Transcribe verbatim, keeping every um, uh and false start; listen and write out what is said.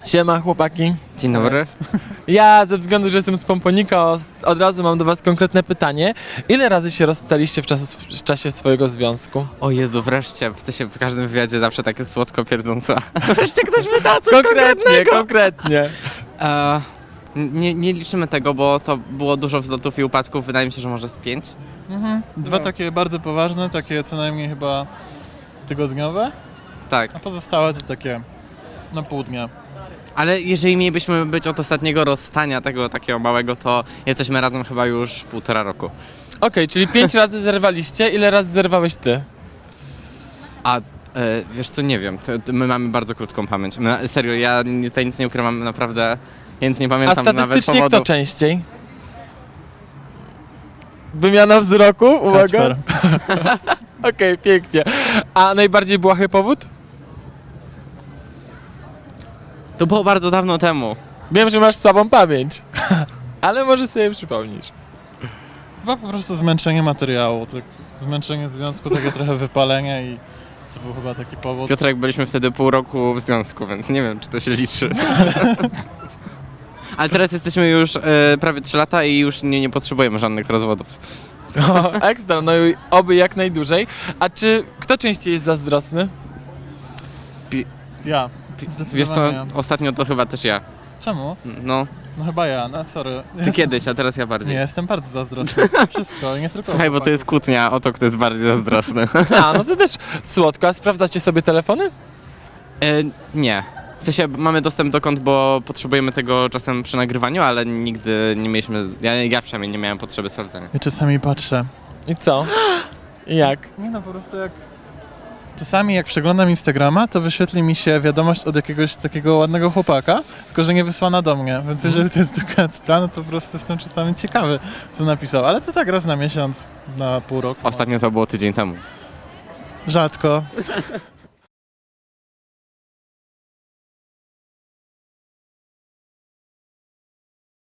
Siema chłopaki. Dzień dobry. Ja ze względu, że jestem z Pomponika, od razu mam do was konkretne pytanie. Ile razy się rozstaliście w, czas, w czasie swojego związku? O Jezu, wreszcie. W sensie w każdym wywiadzie zawsze takie słodko pierdząco. Wreszcie ktoś pyta coś Konkretnie, konkretnego. konkretnie. E, nie, nie liczymy tego, bo to było dużo wzlotów i upadków. Wydaje mi się, że może z pięć. Mhm. Dwa No. takie bardzo poważne, takie co najmniej chyba tygodniowe, Tak. a pozostałe to takie na pół dnia. Ale jeżeli mielibyśmy być od ostatniego rozstania tego takiego małego, to jesteśmy razem chyba już półtora roku. Okej, okay, czyli pięć razy zerwaliście, ile razy zerwałeś ty? A e, wiesz co, nie wiem. To, to my mamy bardzo krótką pamięć. My, serio, ja nie- tutaj nic nie ukrywam, naprawdę. Ja nic nie A pamiętam nawet statystycznie powodów. kto częściej? Wymiana wzroku? Uwaga. Kacper. Okej, pięknie. A najbardziej błahy powód? To było bardzo dawno temu. Wiem, że masz słabą pamięć, ale może sobie przypomnisz. Chyba po prostu zmęczenie materiału, tak, zmęczenie związku, takie trochę wypalenie i to był chyba taki powód. Piotrek, byliśmy wtedy pół roku w związku, więc nie wiem, czy to się liczy. Ale teraz jesteśmy już e, prawie trzy lata i już nie, nie potrzebujemy żadnych rozwodów. O, ekstra, no i oby jak najdłużej. A czy kto częściej jest zazdrosny? Ja, Wiesz zdecydowanie co, ja. ostatnio to chyba też ja. Czemu? No, No chyba ja, no sorry. ty Jestem- kiedyś, a teraz ja bardziej. Nie, jestem bardzo zazdrosny. Wszystko, nie tylko Słuchaj, bo to jest chłopaków. kłótnia o to, kto jest bardziej zazdrosny. A, no to też słodko. A sprawdzacie sobie telefony? e, nie. W sensie mamy dostęp do kont, bo potrzebujemy tego czasem przy nagrywaniu, ale nigdy nie mieliśmy, ja, ja przynajmniej nie miałem potrzeby sprawdzenia. Ja czasami patrzę. I co? I jak? Nie no, po prostu jak... Czasami jak przeglądam Instagrama, to wyświetli mi się wiadomość od jakiegoś takiego ładnego chłopaka, tylko że nie wysłana do mnie, więc jeżeli to jest do Kacpra, no to po prostu jestem czasami ciekawy, co napisał, ale to tak raz na miesiąc, na pół roku. Ostatnio to było tydzień temu. Rzadko.